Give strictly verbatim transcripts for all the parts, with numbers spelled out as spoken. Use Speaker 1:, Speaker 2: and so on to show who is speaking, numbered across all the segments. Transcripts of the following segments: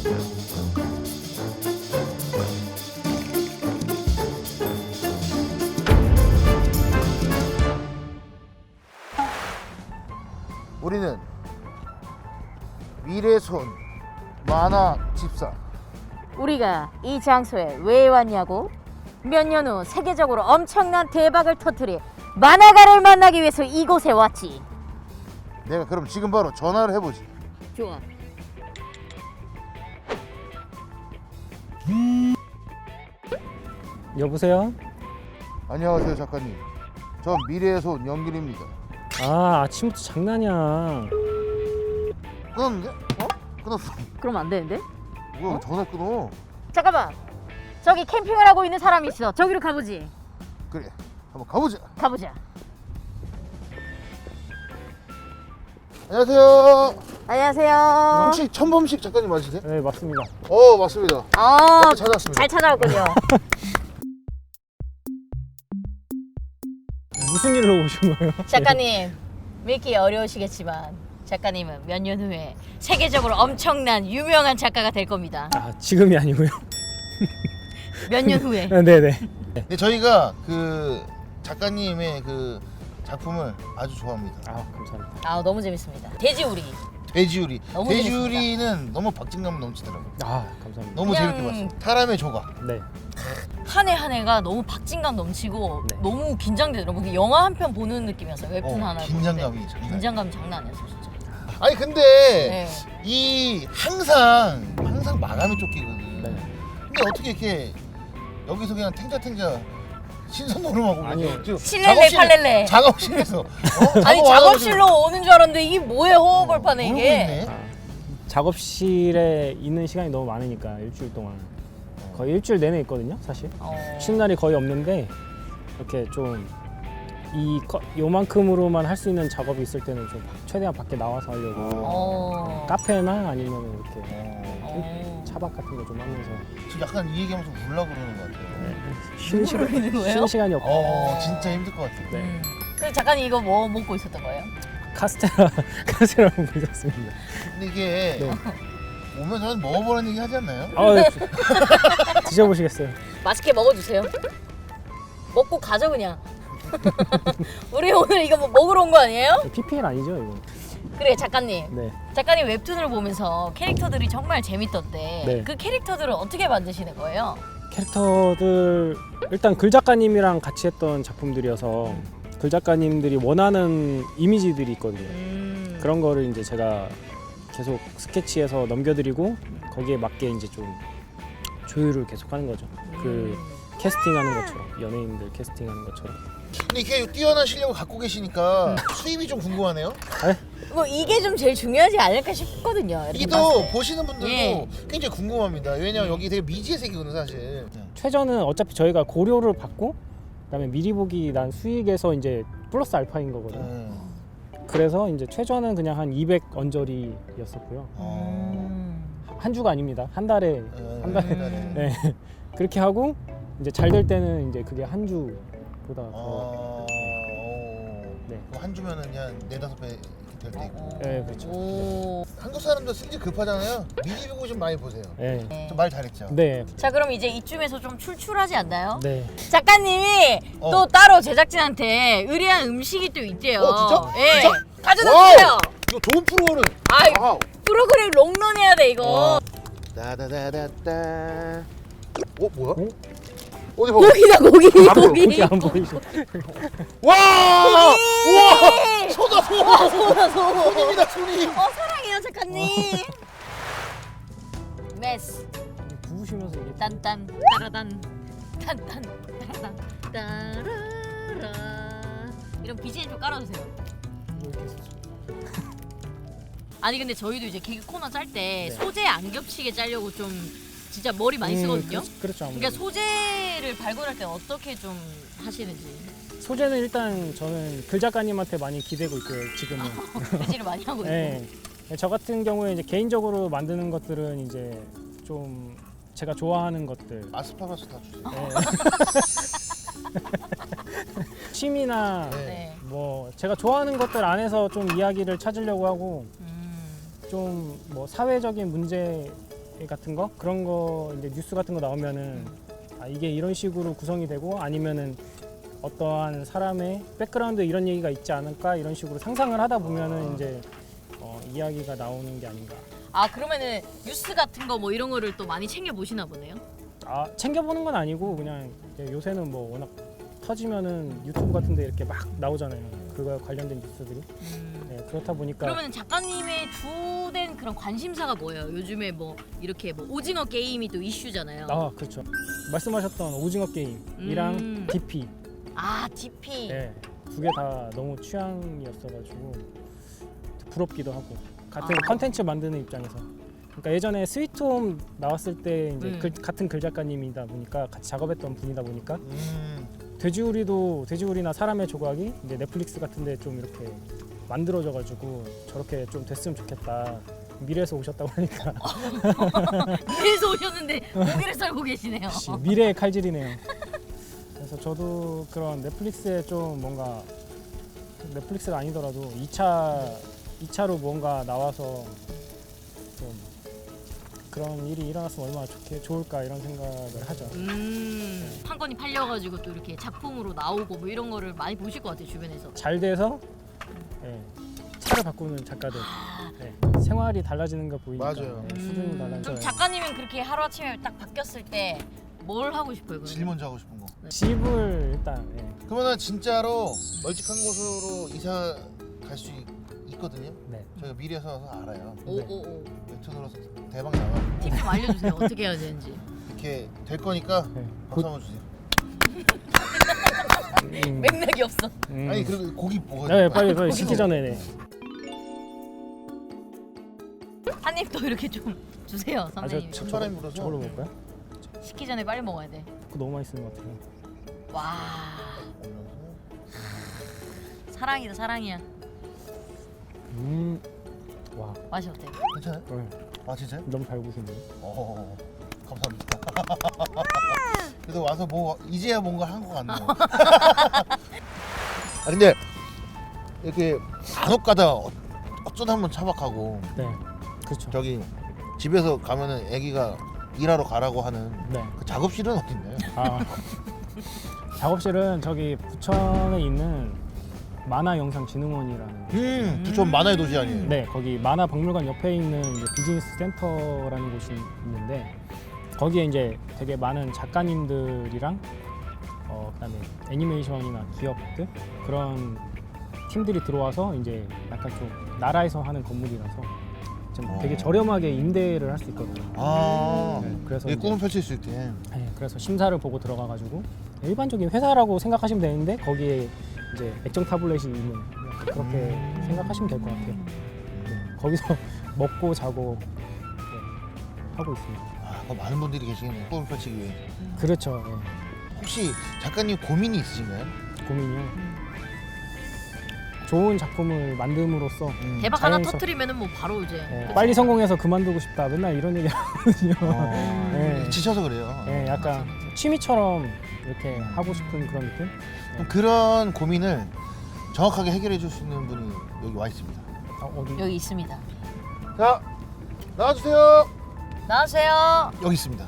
Speaker 1: 우리는 미래손 만화 집사.
Speaker 2: 우리가 이 장소에 왜 왔냐고? 몇 년 후 세계적으로 엄청난 대박을 터뜨릴 만화가를 만나기 위해서 이곳에 왔지.
Speaker 1: 내가 그럼 지금 바로 전화를 해보지.
Speaker 2: 좋아.
Speaker 3: 여보세요?
Speaker 1: 안녕하세요 작가님. 전 미래의 손 영길입니다.
Speaker 3: 아, 아침부터 장난이야.
Speaker 1: 끊었는데? 어? 끊었어.
Speaker 2: 그럼 안 되는데?
Speaker 1: 뭐야
Speaker 2: 어?
Speaker 1: 전화 끊어.
Speaker 2: 잠깐만. 저기 캠핑을 하고 있는 사람이 있어. 저기로 가보지.
Speaker 1: 그래 한번 가보자.
Speaker 2: 가보자.
Speaker 1: 안녕하세요.
Speaker 2: 안녕하세요.
Speaker 1: 혹시 천범식 작가님 맞으세요?
Speaker 3: 네, 맞습니다.
Speaker 1: 어 맞습니다.
Speaker 2: 어,
Speaker 1: 네, 찾아왔습니다.
Speaker 2: 잘 찾아왔군요.
Speaker 3: 무슨 일로 오신 거예요?
Speaker 2: 작가님, 믿기 어려우시겠지만 작가님은 몇 년 후에 세계적으로 엄청난 유명한 작가가 될 겁니다.
Speaker 3: 아, 지금이 아니고요.
Speaker 2: 몇 년 후에.
Speaker 3: 네네.
Speaker 1: 네 저희가 그 작가님의 그 작품을 아주 좋아합니다.
Speaker 3: 아, 감사합니다.
Speaker 2: 아, 너무 재밌습니다. 돼지우리.
Speaker 1: 돼지우리.
Speaker 2: 너무
Speaker 1: 돼지우리는 너무 박진감 넘치더라고요.
Speaker 3: 아, 감사합니다.
Speaker 1: 너무
Speaker 2: 그냥-
Speaker 1: 재밌게 봤어요. 사람의 조각.
Speaker 3: 네.
Speaker 2: 한 해 한 해가 너무 박진감 넘치고
Speaker 3: 네.
Speaker 2: 너무 긴장되더라고요. 그 영화 한 편 보는 느낌이었어요. 웹툰
Speaker 1: 어,
Speaker 2: 하나.
Speaker 1: 긴장감이 장난.
Speaker 2: 긴장감이 장난 아니었어 진짜.
Speaker 1: 아니 근데
Speaker 2: 네.
Speaker 1: 이 항상 항상 마감이 쫓기거든.
Speaker 3: 네.
Speaker 1: 근데 어떻게 이렇게 여기서 그냥 탱자탱자 신선 노름하고
Speaker 3: 아니요.
Speaker 1: 지금
Speaker 2: 실렐레, 팔렐레.
Speaker 1: 작업실에서 어?
Speaker 2: 아니
Speaker 1: 작업
Speaker 2: 작업실로 오는 줄 알았는데 이게 뭐예요? 허허벌판에
Speaker 1: 모르고
Speaker 2: 이게.
Speaker 1: 있네.
Speaker 3: 아, 작업실에 있는 시간이 너무 많으니까 일주일 동안 거의 일주일 내내 있거든요, 사실.
Speaker 2: 어.
Speaker 3: 쉬는 날이 거의 없는데 이렇게 좀 이 요만큼으로만 할 수 있는 작업이 있을 때는 좀 최대한 밖에 나와서 하려고
Speaker 2: 어.
Speaker 3: 카페나 아니면 이렇게
Speaker 1: 어,
Speaker 2: 어.
Speaker 3: 차박 같은 거 좀 하면서
Speaker 1: 지금 약간 이 얘기하면서 울라 그러는 것 같아요.
Speaker 3: 쉬는 시간
Speaker 2: 모르는 거예요?
Speaker 3: 쉬는 시간이 없고
Speaker 1: 어 진짜 힘들 것 같아요.
Speaker 3: 네.
Speaker 2: 음. 그래서 작가님 이거 뭐 먹고 있었던 거예요?
Speaker 3: 카스테라 카스테라 먹고 있었습니다.
Speaker 1: 근데 이게
Speaker 3: 네.
Speaker 1: 오면 저는 먹어보라는 얘기 하지 않나요?
Speaker 3: 아, 네. 드셔보시겠어요?
Speaker 2: 맛있게 먹어주세요. 먹고 가죠 그냥. 우리 오늘 이거 뭐 먹으러 온 거 아니에요?
Speaker 3: 피피엘 아니죠 이거?
Speaker 2: 그래 작가님.
Speaker 3: 네.
Speaker 2: 작가님 웹툰을 보면서 캐릭터들이 정말 재밌던데
Speaker 3: 네.
Speaker 2: 그 캐릭터들을 어떻게 만드시는 거예요?
Speaker 3: 캐릭터들 일단 글 작가님이랑 같이 했던 작품들이어서 글 작가님들이 원하는 이미지들이 있거든요.
Speaker 2: 음.
Speaker 3: 그런 거를 이제 제가 계속 스케치해서 넘겨드리고 거기에 맞게 이제 좀 조율을 계속하는 거죠. 그 캐스팅하는 것처럼 연예인들 캐스팅하는 것처럼.
Speaker 1: 근데 이렇게 뛰어난 실력을 갖고 계시니까 수입이 좀 궁금하네요.
Speaker 2: 뭐 이게 좀 제일 중요하지 않을까 싶거든요. 이렇게 봤을
Speaker 1: 이도
Speaker 2: 때.
Speaker 1: 보시는 분들도
Speaker 2: 예.
Speaker 1: 굉장히 궁금합니다. 왜냐면 여기 되게 미지의 세계거든 사실.
Speaker 3: 최저는 어차피 저희가 고려를 받고 그다음에 미리 보기 난 수익에서 이제 플러스 알파인 거거든요.
Speaker 1: 음.
Speaker 3: 그래서 이제 최저는 그냥 한 이백 언저리였었고요.
Speaker 1: 어.
Speaker 2: 음.
Speaker 3: 한 주가 아닙니다. 한 달에
Speaker 1: 음.
Speaker 3: 한 달.
Speaker 2: 음.
Speaker 3: 네. 그렇게 하고 이제 잘 될 때는 이제 그게 한 주보다 더.
Speaker 1: 어.
Speaker 3: 네.
Speaker 1: 그럼 한 주면은 그냥 네다섯 배 될 때 있고.
Speaker 3: 네, 그렇죠.
Speaker 2: 오.
Speaker 1: 한국 사람들 승질 급하잖아요. 미리 보고 좀 많이 보세요.
Speaker 3: 네.
Speaker 1: 좀 말 잘했죠.
Speaker 3: 네.
Speaker 2: 자 그럼 이제 이쯤에서 좀 출출하지 않나요?
Speaker 3: 네.
Speaker 2: 작가님이
Speaker 1: 어.
Speaker 2: 또 따로 제작진한테 의뢰한 음식이 또 있대요.
Speaker 1: 어, 진짜?
Speaker 2: 예.
Speaker 1: 진짜?
Speaker 2: 가져다
Speaker 1: 와우!
Speaker 2: 주세요.
Speaker 1: 이거 좋은 프로그램.
Speaker 2: 아이
Speaker 1: 와우.
Speaker 2: 프로그램 롱런 해야 돼 이거.
Speaker 1: 어. 따다다다따. 어 뭐야?
Speaker 3: 어?
Speaker 1: 어디 봐.
Speaker 2: 고기다 고기
Speaker 1: 안 보여,
Speaker 2: 고기.
Speaker 3: 그게 안 보이죠?
Speaker 1: 와! 우와! 소다 소.
Speaker 2: 와 소나 소.
Speaker 1: 손입니다 손이.
Speaker 2: 어 사랑해요 작가님. 메스
Speaker 3: 부으시면서 이게
Speaker 2: 딴딴 따라단 딴딴 따라단 따라라 이런 비지엠 좀 깔아주세요.
Speaker 3: 이렇게 해서
Speaker 2: 아니 근데 저희도 이제 개그 코너 짤 때
Speaker 3: 네.
Speaker 2: 소재 안 겹치게 짜려고 좀 진짜 머리 많이
Speaker 3: 음,
Speaker 2: 쓰거든요.
Speaker 3: 그, 그렇죠. 아무래도.
Speaker 2: 그러니까 소재를 발굴할 때 어떻게 좀 하시는지
Speaker 3: 소재는 일단 저는 글 작가님한테 많이 기대고 있고요. 지금은.
Speaker 2: 비지를 많이 하고 있고.
Speaker 3: 네. 저 같은 경우에 이제 개인적으로 만드는 것들은 이제 좀 제가 좋아하는 것들.
Speaker 1: 아스파라스 다 주세요.
Speaker 3: 네. 취미나
Speaker 1: 네.
Speaker 2: 네.
Speaker 3: 뭐 제가 좋아하는 것들 안에서 좀 이야기를 찾으려고 하고
Speaker 2: 음.
Speaker 3: 좀 뭐 사회적인 문제에 같은 거 그런 거 이제 뉴스 같은 거 나오면은 아, 이게 이런 식으로 구성이 되고 아니면은 어떠한 사람의 백그라운드에 이런 얘기가 있지 않을까 이런 식으로 상상을 하다 보면은 이제 어, 이야기가 나오는 게 아닌가.
Speaker 2: 아 그러면은 뉴스 같은 거 뭐 이런 거를 또 많이 챙겨 보시나 보네요.
Speaker 3: 아 챙겨보는 건 아니고 그냥 이제 요새는 뭐 워낙 터지면은 유튜브 같은데 이렇게 막 나오잖아요. 그거 관련된 뉴스들이.
Speaker 2: 음.
Speaker 3: 네, 그렇다 보니까
Speaker 2: 그러면 작가님의 주된 그런 관심사가 뭐예요? 요즘에 뭐 이렇게 뭐 오징어 게임이 또 이슈잖아요.
Speaker 3: 아 그렇죠. 말씀하셨던 오징어 게임이랑
Speaker 2: 음.
Speaker 3: 디피
Speaker 2: 아 디피.
Speaker 3: 네, 두 개 다 너무 취향이었어가지고 부럽기도 하고 같은
Speaker 2: 아.
Speaker 3: 컨텐츠 만드는 입장에서 그러니까 예전에 스위트홈 나왔을 때 이제
Speaker 2: 음.
Speaker 3: 글, 같은 글 작가님이다 보니까 같이 작업했던 분이다 보니까
Speaker 1: 음.
Speaker 3: 돼지우리도 돼지우리나 사람의 조각이 이제 넷플릭스 같은데 좀 이렇게 만들어져가지고 저렇게 좀 됐으면 좋겠다. 미래에서 오셨다고 하니까
Speaker 2: 그래서 오셨는데 고기를 썰고 계시네요.
Speaker 3: 역시 미래의 칼질이네요. 그래서 저도 그런 넷플릭스에 좀 뭔가 넷플릭스가 아니더라도 이 차 이 차로 뭔가 나와서 좀 그런 일이 일어났으면 얼마나 좋게 좋을까 이런 생각을 하죠.
Speaker 2: 음, 한 건이 팔려가지고 또 이렇게 작품으로 나오고 뭐 이런 거를 많이 보실 것 같아요 주변에서.
Speaker 3: 잘 돼서 예, 차를 바꾸는 작가들 예, 생활이 달라지는 거 보이니까
Speaker 1: 맞아요.
Speaker 3: 예, 수준이
Speaker 2: 음,
Speaker 3: 달라져요.
Speaker 2: 그럼 작가님은 그렇게 하루 아침에 딱 바뀌었을 때 뭘 하고 싶어요? 그러면?
Speaker 1: 제일 먼저 하고 싶은 거.
Speaker 3: 집을 일단 예,
Speaker 1: 그러면은 진짜로 널찍한 곳으로 이사 갈 수 있거든요.
Speaker 3: 네.
Speaker 1: 저희가 미래에서 와서 알아요.
Speaker 2: 오오오.
Speaker 1: 웹툰으로서 대박 나가.
Speaker 2: 팁 좀 알려주세요. 어떻게 해야 되는지.
Speaker 1: 이렇게 될 거니까
Speaker 3: 네.
Speaker 1: 박수 한번 주세요.
Speaker 3: 음,
Speaker 2: 맥락이 없어.
Speaker 3: 음.
Speaker 1: 아니 그리고 고기 먹어야
Speaker 3: 네,
Speaker 1: 돼.
Speaker 3: 빨리 빨리 식기 전에 네.
Speaker 2: 한 입 더 이렇게 좀 주세요,
Speaker 3: 아, 저,
Speaker 2: 선생님.
Speaker 3: 저,
Speaker 1: 찬바람이
Speaker 3: 저거,
Speaker 1: 불어서.
Speaker 3: 저걸로 먹을까요?
Speaker 2: 식기 전에 빨리 먹어야 돼.
Speaker 3: 그거 너무 맛있는 것 같아요.
Speaker 2: 와, 사랑이다 사랑이야.
Speaker 3: 음, 와,
Speaker 2: 맛이 어때?
Speaker 1: 괜찮아요?
Speaker 3: 네.
Speaker 1: 아 진짜요?
Speaker 3: 너무 잘 구우시네요.
Speaker 1: 어, 감사합니다. 그래도 와서 뭐 이제야 뭔가 한 것 같네요. 아 근데 이렇게 간혹 가다 어- 어쩌다 한번 차박하고
Speaker 3: 네, 그렇죠.
Speaker 1: 저기 집에서 가면은 애기가 일하러 가라고 하는
Speaker 3: 네.
Speaker 1: 그 작업실은 어딨나요?
Speaker 3: 아, 작업실은 저기 부천에 있는 만화영상진흥원이라는
Speaker 1: 음, 부천 만화의 도시 아니에요?
Speaker 3: 네, 거기 만화박물관 옆에 있는 이제 비즈니스 센터라는 곳이 있는데 거기에 이제 되게 많은 작가님들이랑 어, 그다음에 애니메이션이나 기업들 그런 팀들이 들어와서 이제 약간 좀 나라에서 하는 건물이라서 좀 되게
Speaker 1: 어.
Speaker 3: 저렴하게 임대를 할 수 있거든요.
Speaker 1: 아,
Speaker 3: 네, 그래서
Speaker 1: 이
Speaker 3: 이제-
Speaker 1: 꿈을 펼칠 수 있게.
Speaker 3: 네, 그래서 심사를 보고 들어가가지고 일반적인 회사라고 생각하시면 되는데 거기에 이제 액정 타블렛이 있는 그렇게
Speaker 1: 음.
Speaker 3: 생각하시면 될 것 같아요. 네, 거기서 먹고 자고 네, 하고 있습니다.
Speaker 1: 아, 그 많은 분들이 계시겠네요. 꿈을 펼치기 위해.
Speaker 3: 그렇죠. 네,
Speaker 1: 혹시 작가님 고민이 있으신가요?
Speaker 3: 고민이요. 좋은 작품을 만듦으로써
Speaker 1: 음.
Speaker 2: 대박 하나
Speaker 3: 자연스럽-
Speaker 2: 터트리면은 뭐 바로 이제.
Speaker 3: 네,
Speaker 2: 그치?
Speaker 3: 빨리 성공해서 그만두고 싶다. 맨날 이런 얘기 하거든요.
Speaker 1: 어,
Speaker 3: 네.
Speaker 1: 지쳐서 그래요.
Speaker 3: 네, 약간 취미처럼 이렇게 하고 싶은 그런 느낌?
Speaker 1: 그럼 그런 고민을 정확하게 해결해 줄 수 있는 분이 여기 와 있습니다.
Speaker 3: 아, 어디?
Speaker 2: 여기 있습니다.
Speaker 1: 자, 나와주세요.
Speaker 2: 나와주세요.
Speaker 1: 여기 있습니다.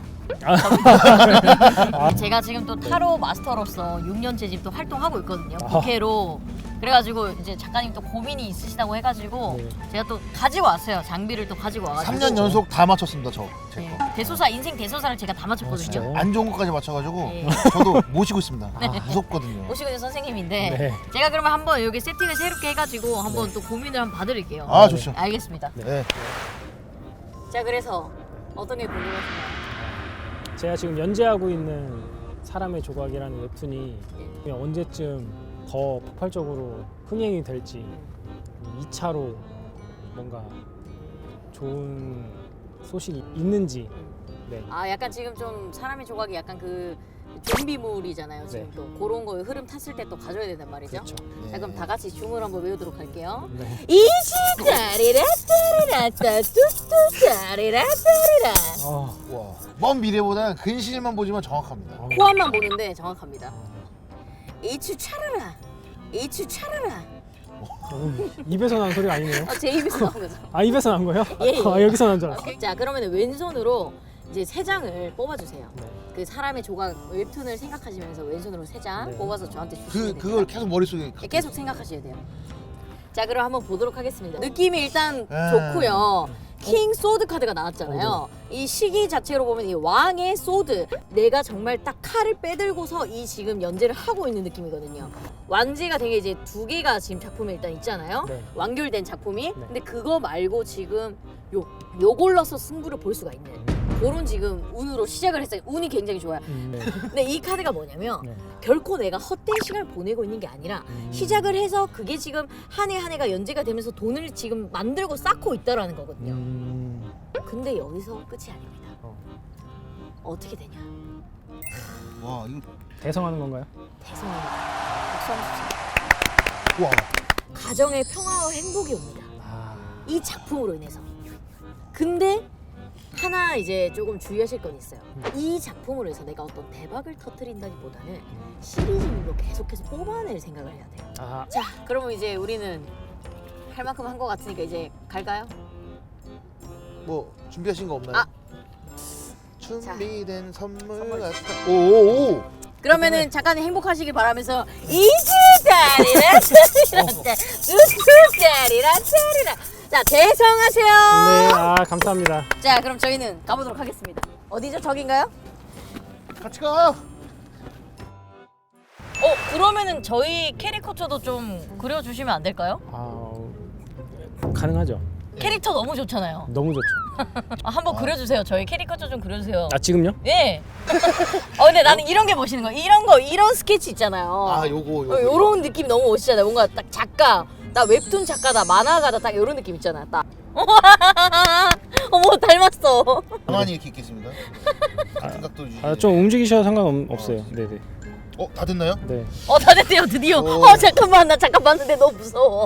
Speaker 2: 제가 지금 또 타로 마스터로서 육 년째 지금 또 활동하고 있거든요.
Speaker 3: 아.
Speaker 2: 부캐로. 그래가지고 이제 작가님 또 고민이 있으시다고 해가지고
Speaker 3: 네.
Speaker 2: 제가 또 가지고 왔어요. 장비를 또 가지고 와가지고.
Speaker 1: 삼 년 연속 다 맞췄습니다, 저. 제
Speaker 2: 네.
Speaker 1: 거.
Speaker 2: 대소사 인생 대소사를 제가 다
Speaker 3: 아,
Speaker 2: 맞췄거든요.
Speaker 3: 진짜요?
Speaker 1: 안 좋은 것까지 맞춰가지고
Speaker 2: 네.
Speaker 1: 저도 모시고 있습니다. 아, 무섭거든요.
Speaker 2: 오시고 있는 선생님인데
Speaker 3: 네.
Speaker 2: 제가 그러면 한번 여기 세팅을 새롭게 해가지고 한번 또 고민을 한번 봐드릴게요.
Speaker 1: 아, 좋죠.
Speaker 2: 알겠습니다.
Speaker 1: 네.
Speaker 2: 자 그래서 어떤 게 궁금하신가요?
Speaker 3: 제가 지금 연재하고 있는 사람의 조각이라는 웹툰이 그냥 언제쯤 더 폭발적으로 흥행이 될지 이 차로 뭔가 좋은 소식이 있는지 네.
Speaker 2: 아 약간 지금 좀 사람의 조각이 약간 그 좀비물이잖아요. 지금
Speaker 3: 네.
Speaker 2: 또 그런 거 흐름 탔을 때 또 가져야 된단 말이죠.
Speaker 3: 그렇죠.
Speaker 2: 자 그럼 다 같이 춤을 한번 외우도록 할게요.
Speaker 3: 네.
Speaker 2: 이시다리라 따리라따 뚜뚜 따리라 따리라.
Speaker 3: 아,
Speaker 1: 와, 먼 미래보다 근실만 보지만 정확합니다.
Speaker 3: 아,
Speaker 2: 코앞만 보는데 정확합니다. 이추 차라라 이추 차라라
Speaker 3: 어, 입에서 난 소리가 아니네요.
Speaker 2: 아, 제 입에서 나온 거죠.
Speaker 3: 아 입에서 난 거예요?
Speaker 2: 예, 예.
Speaker 3: 아 여기서 난 줄 알았어.
Speaker 2: 오케이. 자, 그러면 왼손으로 이제 세 장을 뽑아주세요.
Speaker 3: 네.
Speaker 2: 그 사람의 조각 웹툰을 생각하시면서 왼손으로 세 장
Speaker 3: 네.
Speaker 2: 뽑아서 저한테 주시면
Speaker 1: 그
Speaker 2: 됩니다.
Speaker 1: 그걸 계속 머릿속에
Speaker 2: 예, 계속 생각하셔야 돼요. 자, 그럼 한번 보도록 하겠습니다. 느낌이 일단
Speaker 1: 아.
Speaker 2: 좋고요. 킹 소드 카드가 나왔잖아요. 이 시기 자체로 보면 이 왕의 소드, 내가 정말 딱 칼을 빼들고서 이 지금 연재를 하고 있는 느낌이거든요. 완지가 되게 이제 두 개가 지금 작품에 일단 있잖아요.
Speaker 3: 네.
Speaker 2: 완결된 작품이.
Speaker 3: 네.
Speaker 2: 근데 그거 말고 지금 요 요걸로서 승부를 볼 수가 있는 그런 지금 운으로 시작을 했어요. 운이 굉장히 좋아요.
Speaker 3: 음, 네.
Speaker 2: 근데 이 카드가 뭐냐면
Speaker 3: 네.
Speaker 2: 결코 내가 헛된 시간을 보내고 있는 게 아니라
Speaker 3: 음.
Speaker 2: 시작을 해서 그게 지금 한 해 한 해가 연재가 되면서 돈을 지금 만들고 쌓고 있다라는 거거든요.
Speaker 3: 음,
Speaker 2: 근데 여기서 끝이 아닙니다.
Speaker 3: 어.
Speaker 2: 어떻게 되냐?
Speaker 1: 와 이거
Speaker 3: 대성하는 건가요?
Speaker 2: 대성합니다. 박수 한번 주세요.
Speaker 1: 와
Speaker 2: 가정의 평화와 행복이 옵니다.
Speaker 3: 아,
Speaker 2: 이 작품으로 인해서. 근데 하나 이제 조금 주의하실 건 있어요. 이 작품으로 해서 내가 어떤 대박을 터뜨린다기보다는 시리즈물로 계속해서 뽑아낼 생각을 해야 돼요.
Speaker 3: 아,
Speaker 2: 자, 그러면 이제 우리는 할 만큼 한 것 같으니까 이제 갈까요?
Speaker 1: 뭐 준비하신 거 없나요?
Speaker 2: 아.
Speaker 1: 준비된 선물
Speaker 2: 선물.
Speaker 1: 같아. 오오오.
Speaker 2: 그러면은 작가님 행복하시길 바라면서 이주다리라 짜리라 우주다리라 짜리라. 자, 대성하세요.
Speaker 3: 네, 아 감사합니다.
Speaker 2: 자, 그럼 저희는 가보도록 하겠습니다. 어디죠? 저긴가요?
Speaker 1: 같이 가.
Speaker 2: 어, 그러면은 저희 캐리커처도 좀 그려주시면 안 될까요?
Speaker 3: 아, 가능하죠.
Speaker 2: 캐릭터 너무 좋잖아요.
Speaker 3: 너무 좋죠.
Speaker 2: 아, 한번 그려주세요. 저희 캐리커처 좀 그려주세요.
Speaker 3: 아 지금요?
Speaker 2: 예. 어, 근데 나는 이런 게 멋있는 거야. 이런 거, 이런 스케치 있잖아요.
Speaker 1: 아 요거 요거.
Speaker 2: 어, 요런 느낌이 너무 멋있잖아요. 뭔가 딱 작가, 나 웹툰 작가다, 만화가다, 딱 요런 느낌 있잖아. 딱. 어머, 닮았어.
Speaker 1: 가만히 이렇게 있겠습니다. 같은 각도 유지.
Speaker 3: 아, 좀 움직이셔도 상관없어요. 네네.
Speaker 1: 어, 다 됐나요?
Speaker 3: 네.
Speaker 2: 어, 다 됐대요, 드디어.
Speaker 1: 오.
Speaker 2: 어, 잠깐만, 나 잠깐 봤는데 너무 무서워.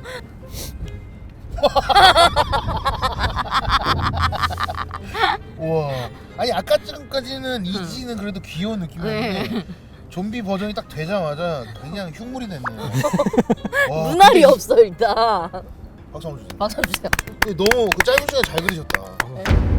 Speaker 1: 우와. 아니 아까 전까지는 이지는 그래도 귀여운 느낌이었는데
Speaker 2: 네.
Speaker 1: 좀비 버전이 딱 되자마자 그냥 흉물이 됐네요. 와,
Speaker 2: 눈알이
Speaker 1: 근데 이-
Speaker 2: 없어, 일단.
Speaker 1: 박수 한번 주세요.
Speaker 2: 맞아주세요.
Speaker 1: 근데 너무 그 짧은 시간에 잘 그리셨다.
Speaker 2: 네.